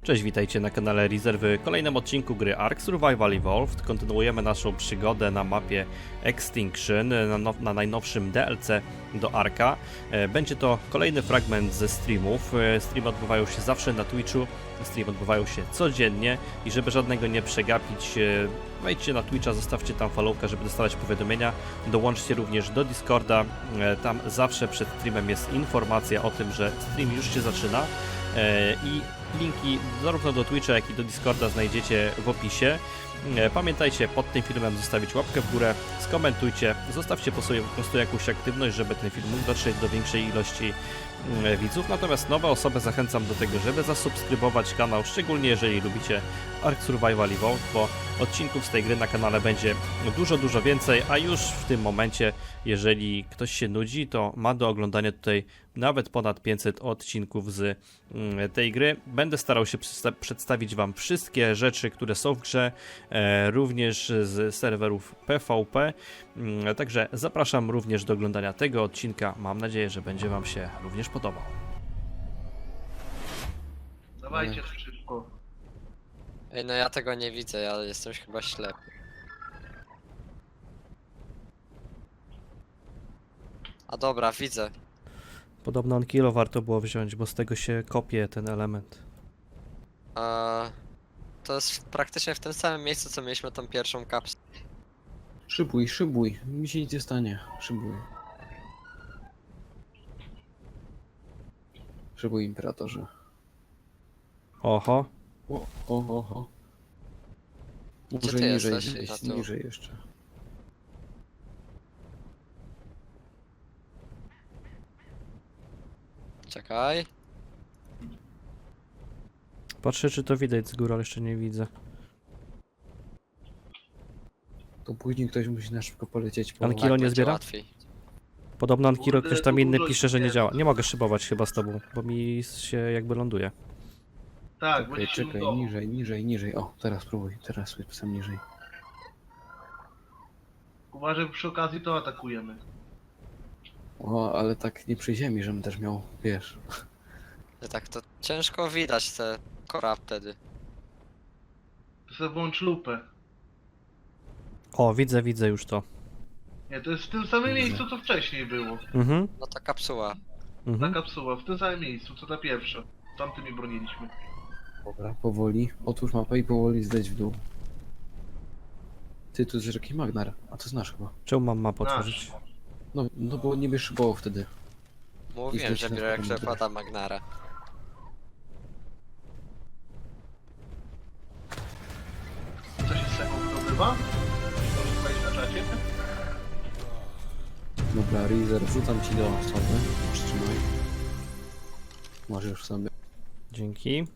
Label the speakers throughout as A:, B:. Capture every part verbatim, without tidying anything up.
A: Cześć, witajcie na kanale Reezer w kolejnym odcinku gry Ark Survival Evolved. Kontynuujemy naszą przygodę na mapie Extinction, na, now, na najnowszym D L C do Arka. Będzie to kolejny fragment ze streamów. Streamy odbywają się zawsze na Twitchu, streamy odbywają się codziennie i żeby żadnego nie przegapić, wejdźcie na Twitcha, zostawcie tam followka, żeby dostawać powiadomienia. Dołączcie również do Discorda, tam zawsze przed streamem jest informacja o tym, że stream już się zaczyna i linki zarówno do Twitcha, jak i do Discorda znajdziecie w opisie. Pamiętajcie pod tym filmem zostawić łapkę w górę, skomentujcie, zostawcie po sobie po prostu jakąś aktywność, żeby ten film mógł dotrzeć do większej ilości widzów. Natomiast nowe osoby zachęcam do tego, żeby zasubskrybować kanał, szczególnie jeżeli lubicie Ark Survival Evolved, bo odcinków z tej gry na kanale będzie dużo, dużo więcej, a już w tym momencie, jeżeli ktoś się nudzi, to ma do oglądania tutaj nawet ponad pięćset odcinków z tej gry. Będę starał się przedstawić Wam wszystkie rzeczy, które są w grze, e, również z serwerów P V P. E, także zapraszam również do oglądania tego odcinka. Mam nadzieję, że będzie Wam się również podobał.
B: Dawajcie szybko.
C: Ej, no ja tego nie widzę, ja jestem chyba ślepy. A dobra, widzę.
A: Podobno on kilo warto było wziąć, bo z tego się kopie ten element.
C: Eee, to jest praktycznie w tym samym miejscu, co mieliśmy tą pierwszą kapsułę.
B: Szybuj, szybuj. Mi się nic nie stanie. Szybuj. Szybuj, imperatorze.
A: Oho.
B: O, o, o, o.
C: Gdzie
B: Może
C: ty
B: niżej,
C: jesteś?
B: zejść,
C: Na tu.
B: niżej jeszcze.
C: Czekaj.
A: Patrzę, czy to widać z góry, ale jeszcze nie widzę.
B: To później ktoś musi na szybko polecieć po...
A: Anki- Kilo nie
C: będzie
A: zbiera?
C: łatwiej.
A: Podobno Ankiro
B: Kurde,
A: ktoś tam
B: to
A: inny
B: dużo
A: pisze, że nie
B: jest.
A: działa. Nie mogę szybować chyba z tobą, bo mi się jakby ląduje.
D: Tak,
B: Czekaj,
D: będzie się
B: czekaj,
D: udało.
B: niżej, niżej, niżej. O, teraz spróbuj, teraz sam niżej.
D: Uważaj, przy okazji to atakujemy.
B: O, ale tak nie przy ziemi, żebym też miał, wiesz.
C: Że tak to ciężko widać te kora wtedy.
D: To sobie włącz lupę.
A: O, widzę, widzę już to.
D: Nie, to jest w tym samym
B: Dobrze.
D: miejscu, co wcześniej było.
A: Mhm,
C: No ta kapsuła.
D: Ta
A: mhm.
D: kapsuła, w tym samym miejscu, co ta pierwsza. Tamtymi broniliśmy.
B: Dobra, powoli. Otwórz mapę i powoli zdać w dół. Ty, tu jest rzeki Magnar, a to znasz chyba.
A: Czemu mam mapę
D: Nasz.
A: otworzyć?
B: No, no bo nie byś szybował wtedy.
C: Mówiłem,
B: Idź
C: że
B: na
C: biorę jak
B: pewno
C: przepada Magnara.
D: Co się z tego wydobywa? Możesz powiedzieć na czacie?
B: Dobra, Reezer, wrzucam ci do osoby. Trzymaj. Możesz sobie.
A: Dzięki.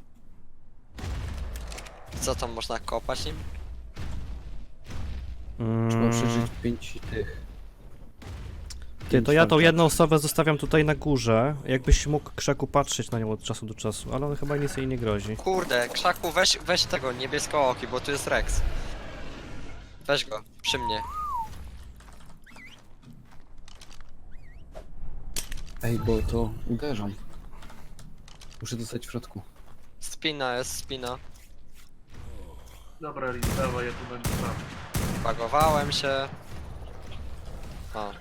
C: Co tam można kopać nim?
B: Trzeba
A: Mm,
B: przeżyć pięć tych.
A: ty, to ja tą
B: walk
A: jedną
B: akcji.
A: osobę zostawiam tutaj na górze. Jakbyś mógł krzaku patrzeć na nią od czasu do czasu, ale on chyba nic jej nie grozi.
C: Kurde, krzaku, weź, weź tego niebiesko-oki, bo tu jest Rex. Weź go, przy mnie.
B: Ej, bo to uderzam. Muszę dostać w środku.
C: Spina jest, spina.
D: Dobra, Riz, dawaj, ja tu będę sam.
C: Bagowałem się. O.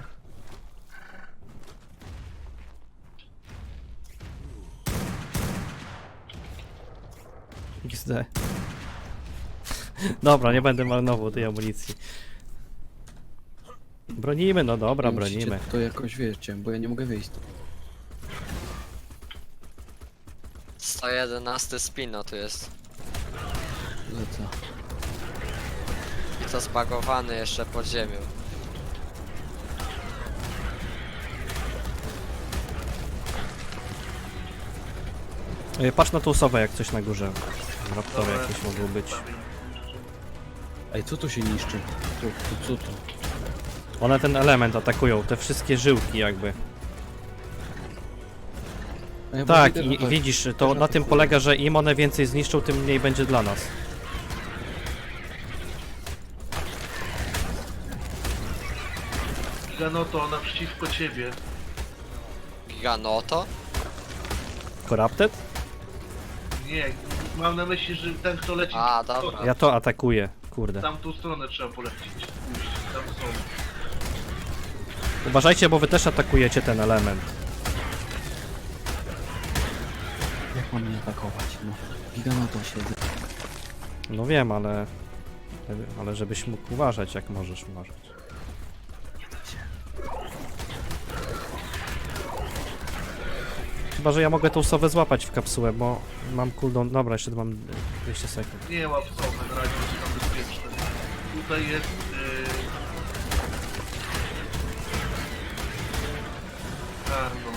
A: X D. Dobra, nie będę marnował tej amunicji. Bronimy, no dobra,
B: Musicie
A: bronimy.
B: To jakoś wiecie, bo ja nie mogę wyjść.
C: sto jedenaście spino tu jest.
B: Lecę.
C: I to zbagowany jeszcze pod ziemią.
A: Ej, patrz na tą osobę, jak coś na górze. Raptory
D: Dobra.
A: jakieś mogą być.
B: Ej, co tu się niszczy? Co, co, co to?
A: One ten element atakują, te wszystkie żyłki jakby.
B: A ja
A: Tak,
B: idę
A: i, i
B: ratować.
A: widzisz, to
B: Też
A: na tym
B: atakuję.
A: polega, że im one więcej zniszczą, tym mniej będzie dla nas.
D: Giganoto, naprzeciwko ciebie.
C: Giganoto?
A: Corrupted?
D: Nie, mam na myśli, że ten kto leci
C: A,
D: w
C: dobra.
A: Ja to atakuję, kurde.
D: tamtą stronę trzeba polecieć. Pójść. Tam są.
A: Uważajcie, bo wy też atakujecie ten element.
B: Jak mam nie atakować? No, giga na to siedzę.
A: No wiem, ale... Ale żebyś mógł uważać, jak możesz uważać. Chyba, że ja mogę tą sowę złapać w kapsułę, bo mam cooldown... Dobra, jeszcze mam dwieście sekund.
D: Nie łap sobie, na razie jest tam bezpieczne. Tutaj jest... Yy... Karno.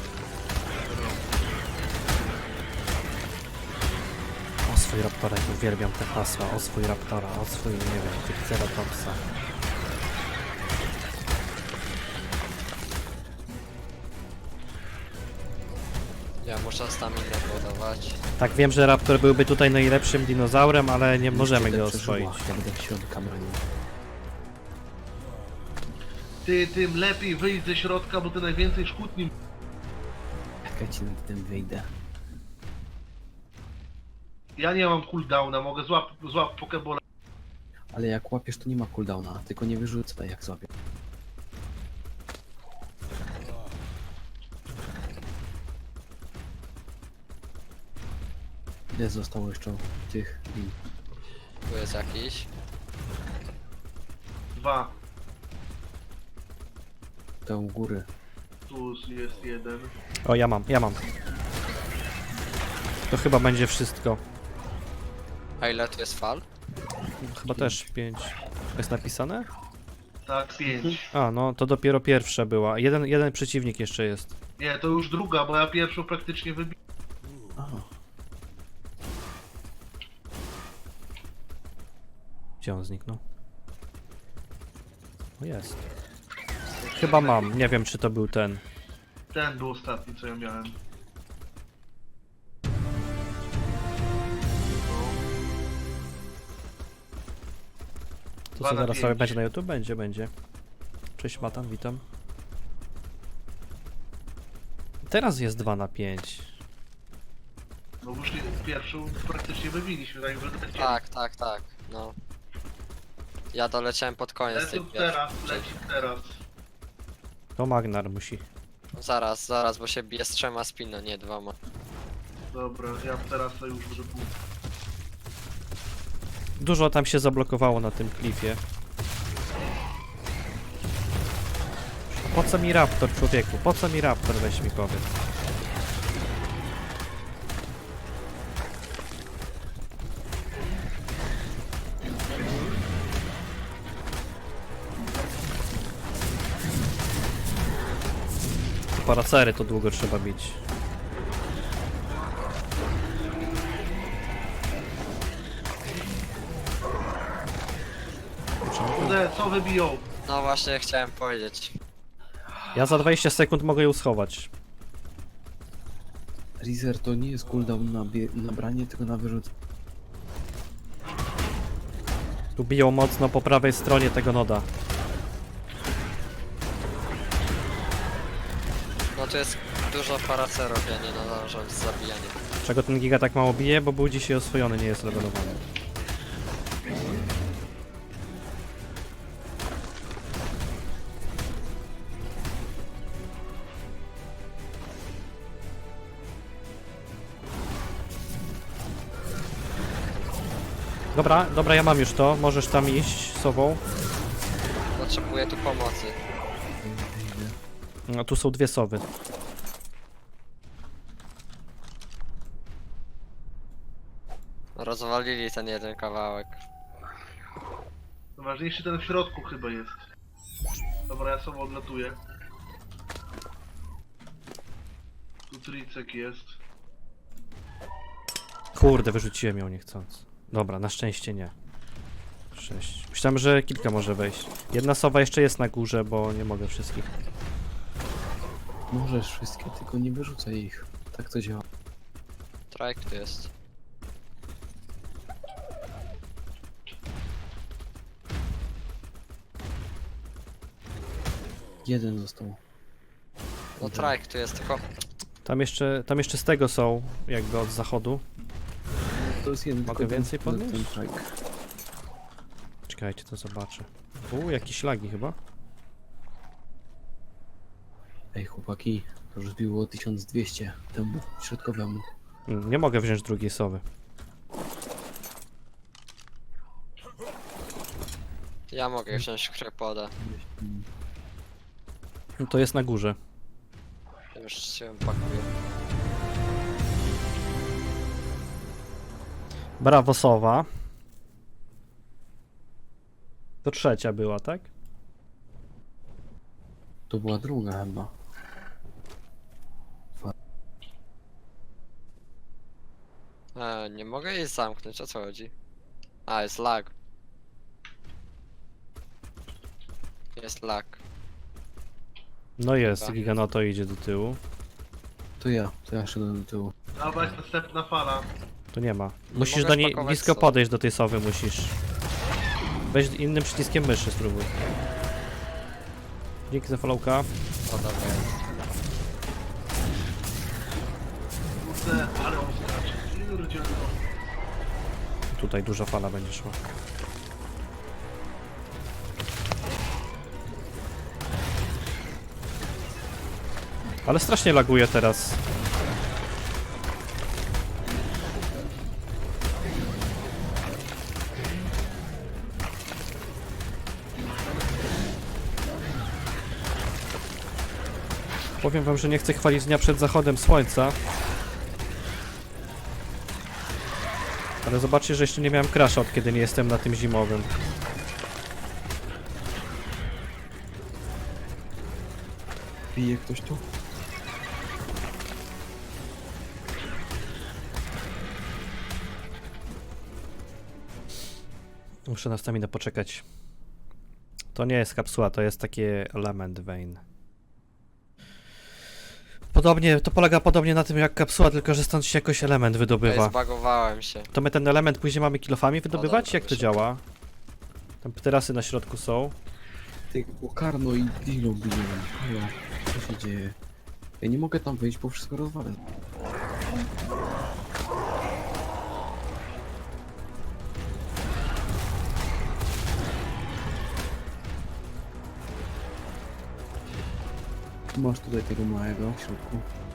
A: O swój raptora, jak uwielbiam te hasła. O swój raptora, o swój, nie wiem, Triceratopsa.
C: Ja muszę staminę budować.
A: Tak, wiem, że raptor byłby tutaj najlepszym dinozaurem, ale nie możemy
B: Będę
A: go
B: przeżyła,
A: oswoić.
B: Ja będę w środka bronił.
D: Ty, tym lepiej wyjść ze środka, bo ty najwięcej szkód nim...
B: Jak ja ci na tym wyjdę?
D: Ja nie mam cooldowna, mogę złap, złap pokebola.
B: Ale jak łapiesz, to nie ma cooldowna, tylko nie wyrzucaj jak złapię. Ile zostało jeszcze tych lin?
C: Tu jest jakiś.
D: Dwa.
B: To u góry.
D: Tu jest jeden.
A: O, ja mam, ja mam. To chyba będzie wszystko.
C: A ile tu jest fal?
A: Chyba też pięć. Jest napisane?
D: Tak, pięć.
A: A, no to dopiero pierwsza była. Jeden, jeden przeciwnik jeszcze jest.
D: Nie, to już druga, bo ja pierwszą praktycznie wybiłem.
B: A,
A: Gdzie on zniknął? O, jest. Chyba mam. Nie wiem, czy to był ten.
D: Ten był ostatni, co ja miałem.
A: To
D: Dwa
A: co
D: na
A: zaraz
D: pięć.
A: sobie będzie na YouTube? Będzie, będzie. Cześć Matan, witam. Teraz jest dwa na pięć.
D: No już nie, pierwszą praktycznie wybiliśmy, tak że lecieli.
C: Tak, tak, tak. No. Ja doleciałem pod koniec tej
D: Lecą
C: pierwszej.
D: teraz, leci teraz.
A: To Magnar musi.
C: Zaraz, zaraz, bo się bije z trzema spino, nie dwoma.
D: Dobra, ja teraz to już może pół.
A: Dużo tam się zablokowało na tym klifie. Po co mi raptor, człowieku? Po co mi raptor, weź mi powiedz. Paracery to długo trzeba bić.
D: Kurde, co wybiją?
C: No właśnie chciałem powiedzieć.
A: Ja za dwadzieścia sekund mogę ją schować.
B: Reezer to nie jest cooldown na, bie- na branie, tylko na wyrzucenie.
A: Tu biją mocno po prawej stronie tego noda.
C: No tu jest dużo paracerów, ja nie nadążam z zabijaniem.
A: Czego ten giga tak mało bije? Bo był dzisiaj oswojony, nie jest levelowany. Dobra, dobra, ja mam już to. Możesz tam iść sobą.
C: Potrzebuję tu pomocy.
B: Wyjdę.
A: No, tu są dwie sowy.
C: Rozwalili ten jeden kawałek.
D: Najważniejszy ten w środku chyba jest. Dobra, ja sobie odlatuję. Tu tricek jest.
A: Kurde, wyrzuciłem ją niechcąc. Dobra, na szczęście nie. Sześć. Myślałem, że kilka może wejść. Jedna sowa jeszcze jest na górze, bo nie mogę wszystkich.
B: Możesz wszystkie, tylko nie wyrzucaj ich. Tak to działa.
C: Trajk tu jest.
B: Jeden został.
C: No
B: Dobra.
C: trajk tu jest, tylko
A: Tam jeszcze, tam jeszcze z tego są, jakby od zachodu.
B: to jest jeden,
A: Mogę
B: tylko
A: więcej
B: ten, ten,
A: podnieść?
B: ten trike.
A: Czekajcie, to zobaczę. U, jakieś lagi chyba.
B: Ej, chłopaki, to już było tysiąc dwieście temu środkowemu.
A: Mm, Nie mogę wziąć drugiej sowy.
C: Ja mogę wziąć krepoda.
B: Mm.
A: No to jest na górze.
C: Już się pakuję.
A: Brawo sowa. To trzecia była, tak?
B: To była druga chyba.
C: E, nie mogę jej zamknąć, o co chodzi? A, jest lag. Jest lag.
A: No jest,
C: Dobra.
A: Giganoto idzie do tyłu.
B: To ja, to ja szedłem do tyłu.
D: Dawać następna fala.
A: Tu nie ma.
C: Nie
A: Musisz
C: mogę
A: do niej
C: spakować
A: blisko
C: sowy.
A: podejść do tej sowy, musisz. Weź innym przyciskiem myszy spróbuj. Dzięki za followka.
C: O, dobra jest.
D: Kurde, ale on skacze. Pierdzielno.
A: Tutaj duża fala będzie szła. Ale strasznie laguje teraz. Powiem wam, że nie chcę chwalić dnia przed zachodem słońca. Ale zobaczcie, że jeszcze nie miałem crasha od kiedy nie jestem na tym zimowym.
B: Bije ktoś tu?
A: Muszę na staminę poczekać. To nie jest kapsuła, to jest taki element vein. Podobnie, to polega podobnie na tym jak kapsuła, tylko że stąd się jakoś element
C: Ej,
A: wydobywa.
C: zbagowałem się.
A: To my ten element później mamy kilofami wydobywać?
C: dobra,
A: Jak to
C: wyszedł.
A: działa? Tam terasy na środku są.
B: Ty, Karno i Dilo biją. Halo, co się dzieje? Ja nie mogę tam wyjść, bo wszystko rozwalę. Masz tutaj tego małego w środku.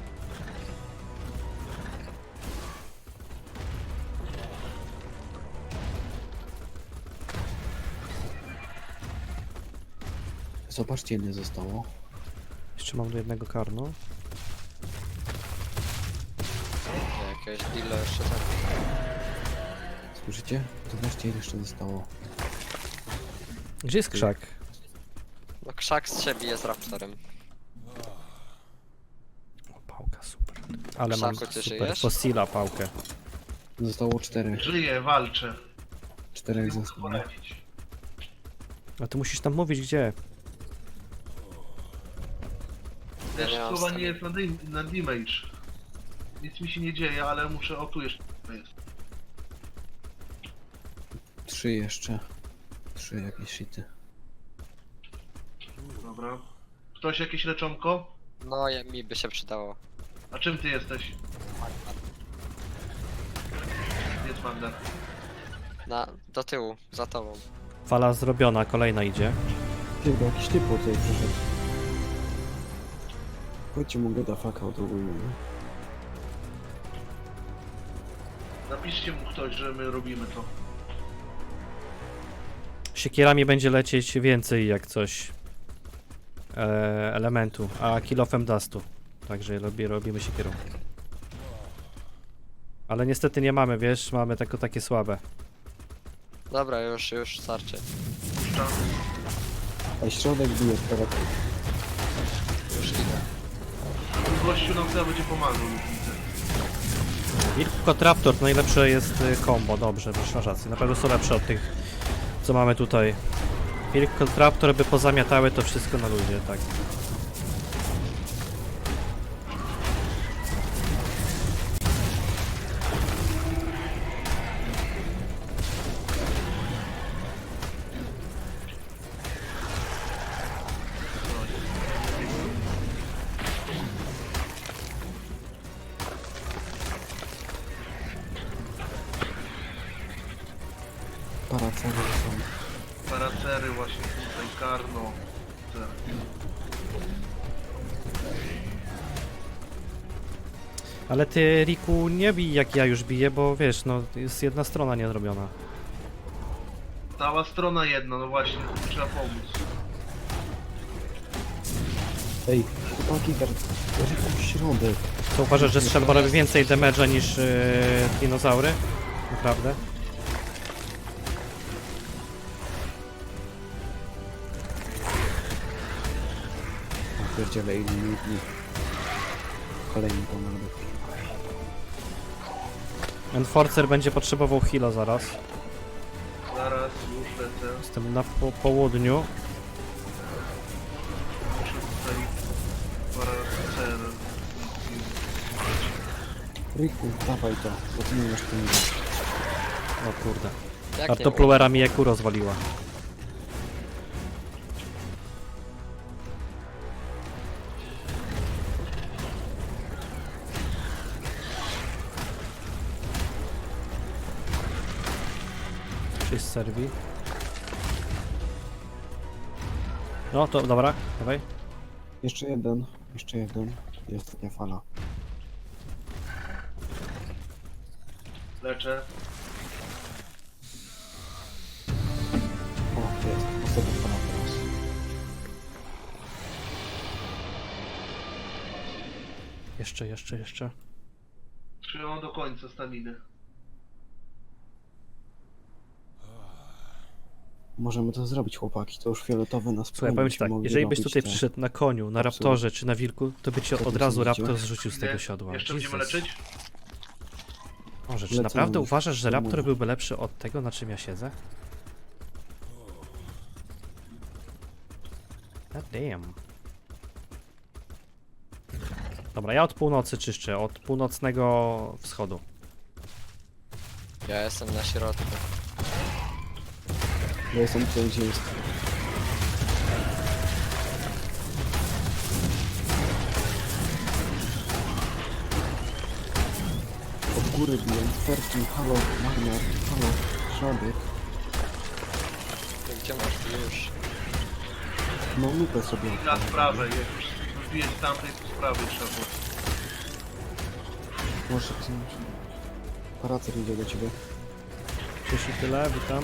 B: Zobaczcie, ile zostało.
A: Jeszcze mam do jednego karno.
C: Jakieś dealer jeszcze tam.
B: Słyszycie? Zobaczcie, ile jeszcze zostało.
A: Gdzie jest krzak?
C: No krzak z siebie jest raptorem.
A: O, pałka, super. Ale mam
C: Krzaku, ty
A: super
C: żyjesz?
A: fossila pałkę.
B: Zostało czterech.
D: Żyję, walczę.
B: Czterech
D: Nie mogę
B: zostało.
D: poradzić.
A: A ty musisz tam mówić gdzie.
D: Też
C: Ja nie mam
D: słowa
C: staminy.
D: nie jest na, dim- na damage. Nic mi się nie dzieje, ale muszę... O, tu jeszcze jest.
B: Trzy jeszcze. Trzy jakieś shity.
D: Dobra. Ktoś jakieś leczonko?
C: No, ja, mi by się przydało.
D: A czym ty jesteś? Jest Wander.
C: Na, do tyłu, za tobą.
A: Fala zrobiona, kolejna idzie.
B: Ty, bo jakiś typ tutaj przyszedł. Chodźcie mu goda fuck out ogólnie.
D: Napiszcie mu ktoś, że my robimy to.
A: Siekierami będzie lecieć więcej jak coś e, elementu, a kilofem dustu. Także robi, robimy siekierą. Ale niestety nie mamy, wiesz, mamy tylko takie słabe.
C: Dobra, już, już starczy.
D: Puszczam.
B: A środek bije prawa.
C: Już idę.
D: Gościu nam chyba będzie pomagał, już widzę.
A: Wilkotraptor to najlepsze jest y, combo, dobrze, masz rację. Na pewno są lepsze od tych, co mamy tutaj. Wilkotraptor by pozamiatały to wszystko na ludzie, tak.
B: paracery są.
D: Paracery właśnie tutaj, Karno. Te.
A: Ale ty, Riku, nie bij jak ja już biję, bo wiesz, no jest jedna strona niezrobiona.
D: Cała strona jedna, no właśnie, trzeba pomóc.
B: Ej, chłopaki, dar... Riku, środek.
A: To uważasz, że strzelba robi więcej damage'a niż yy, dinozaury? Naprawdę?
B: Ja pierdzielę, ile minutni. Kolejny pomagę.
A: Enforcer będzie potrzebował heala zaraz.
D: Zaraz, już lecę.
A: Jestem na po południu.
D: Muszę tutaj paracery.
B: Riku, dawaj to, bo ty nie masz pieniędzy.
A: O kurde.
C: Jak nie
A: Artopluera mi Eku rozwaliła. Cześć serwi. No to dobra, dawaj.
B: Jeszcze jeden, jeszcze jeden. Jest ostatnia fala.
D: Leczę.
B: O, jest, ostatnia fala teraz.
A: Jeszcze, jeszcze, jeszcze.
D: Trzymam do końca staminy.
B: Możemy to zrobić, chłopaki, to już fioletowy nas
A: Słuchaj, powiem ci tak, jeżeli byś tutaj przyszedł na koniu, na
B: Absolutnie.
A: raptorze czy na wilku, to by cię
B: Co
A: od
B: ty
A: razu
B: sądzisz?
A: raptor zrzucił z tego
D: Ile?
A: siodła.
D: Jeszcze
A: Jesus.
D: będziemy leczyć?
A: Może, czy
B: Lecę
A: naprawdę
B: już,
A: uważasz, że
B: nie
A: raptor
B: mówię.
A: byłby lepszy od tego, na czym ja siedzę? God damn. Dobra, ja od północy czyszczę, od północnego wschodu.
C: Ja jestem na środku.
B: Ja jestem tutaj, gdzie jest. Od góry biję, Ferkin, halo, Magnar, halo, środek.
C: Gdzie masz ty już?
B: No lupę sobie
D: Na
B: odpalę.
D: sprawę, jak już wbiję z tamtej, to z prawej trzeba było.
B: Może wziąć. Paracer idzie do ciebie.
A: Cześć i tyle, witam.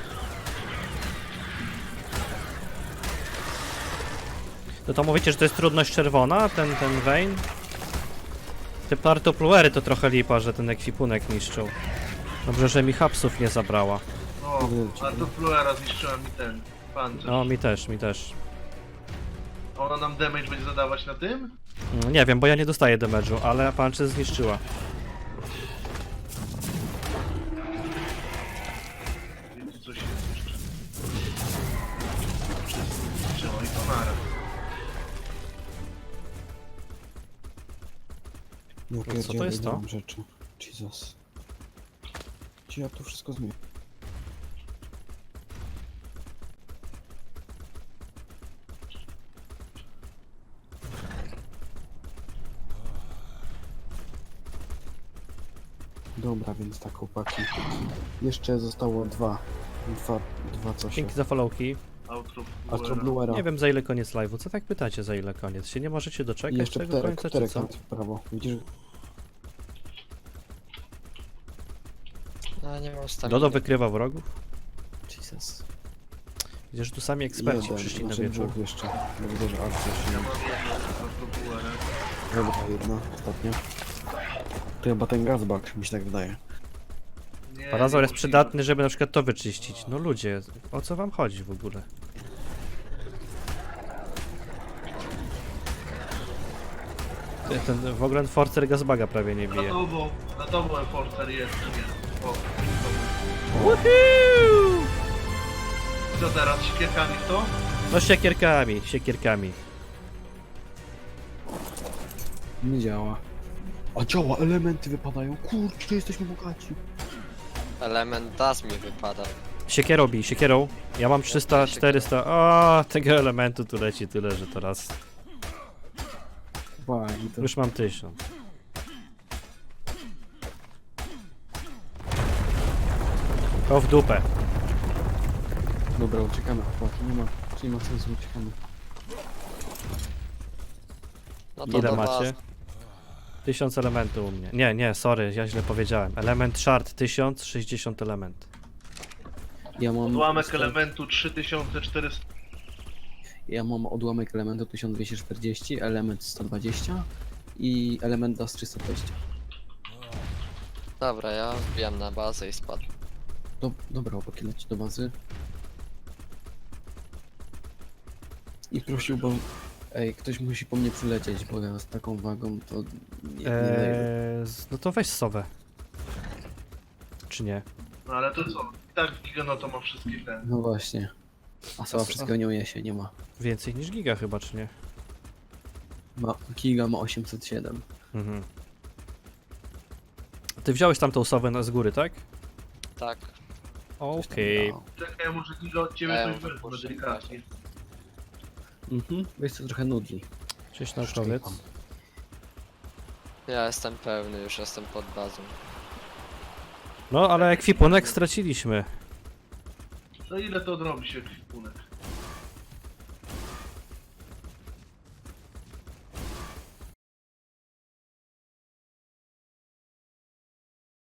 A: No to mówicie, że to jest trudność czerwona, ten, ten vein? Te partopluery to trochę lipa, że ten ekwipunek niszczył. Dobrze, że mi hapsów nie zabrała.
D: O,
B: Idę do
D: a
B: ciebie.
D: to Fluera zniszczyła mi ten pancerz.
A: No, mi też, mi też.
D: Ona nam damage będzie zadawać na tym?
A: Mm, Nie wiem, bo ja nie dostaję damage'u, ale punches zniszczyła.
D: Wiecie, coś jest jeszcze. Wszystko zniszczyło i to naraz.
B: No
A: co to
B: pierdzielę,
A: jest
B: nie
A: to?
B: mam rzeczy. Jesus. Czy ja tu wszystko zmienię? Dobra, więc tak, chłopaki. Jeszcze zostało dwa. Dwa, dwa coś.
A: Dzięki za followki.
D: Outro
B: Astro
D: Fluera.
B: Bluera.
A: Nie wiem za ile koniec live'u. Co tak pytacie za ile koniec? Się nie możecie
B: I
A: doczekać
B: jeszcze
A: tego
B: pterek,
A: końca, czy
B: pterek
A: co?
B: tam w prawo. Widzisz?
C: No nie mam staminy.
A: Dodo wykrywa wrogów?
B: Jesus.
A: Widzisz, że tu sami eksperci
B: Jeden,
A: przyszli na
B: znaczy
A: wieczór.
B: dwóch jeszcze. No widzę, że akcja się
D: Ja mam jedną Outro Fluera.
B: Dobra, jedna, ostatnia. To chyba ten gazbak, mi się tak wydaje.
D: Nie,
A: Parazaur jest
D: niemożliwe.
A: przydatny, żeby na przykład to wyczyścić. No ludzie, o co wam chodzi w ogóle? Ty, Ten w ogóle Forcer Gazbaga prawie nie
D: Na
A: bije.
D: tobą, na tobą Enforcer jest, nie. O,
A: Woohoo!
D: co teraz, siekierkami w to?
A: No siekierkami, siekierkami.
B: Nie działa. A działa, elementy wypadają. Kurczę, jesteśmy bogaci.
C: Element das mi wypada.
A: Siekierą bij, siekierą. Ja mam trzysta, czterysta. O, tego elementu tu leci tyle, że teraz
B: Ba, i to...
A: już mam tysiąc. O w dupę.
B: Dobra, uciekamy chłopaki, nie ma, nie ma sensu, uciekamy.
C: No to
A: Ile
C: do
A: macie?
C: bazy.
A: tysiąc elementów u mnie. Nie, nie, sorry, ja źle powiedziałem. Element shard tysiąc, sześćdziesiąt element.
B: Ja mam...
D: Odłamek elementu trzy tysiące czterysta.
B: Ja mam odłamek elementu tysiąc dwieście czterdzieści, element sto dwadzieścia i element das trzysta dwadzieścia.
C: Dobra, ja wbijam na bazę i spadł.
B: Do, dobra, chłopaki, leci do bazy. I prosiłbym... Ej, ktoś musi po mnie przylecieć, bo ja z taką wagą to nie, nie daję.
A: Eee, z- no to weź sowę. Czy nie?
D: No ale to co? I tak Giga to ma wszystkie te.
B: No właśnie. A Sowa
A: A-
B: wszystkiego nie uniesie, nie ma.
A: Więcej niż giga chyba, czy nie?
B: ma Giga ma osiemset siedem.
A: Mhm. Ty wziąłeś tamtą sowę na z góry, tak?
C: Tak.
A: Okej.
B: No.
D: Czekaj, może Giga od ciebie
C: Ja
D: coś
C: ją
D: wezmę
C: wypuszczę.
D: delikatnie.
B: Mhm, wiesz co, trochę nudzi.
A: Cześć naukowiec.
C: Ja jestem pełny, już jestem pod bazą.
A: No, ale ekwipunek straciliśmy.
D: No ile to odrobi się ekwipunek?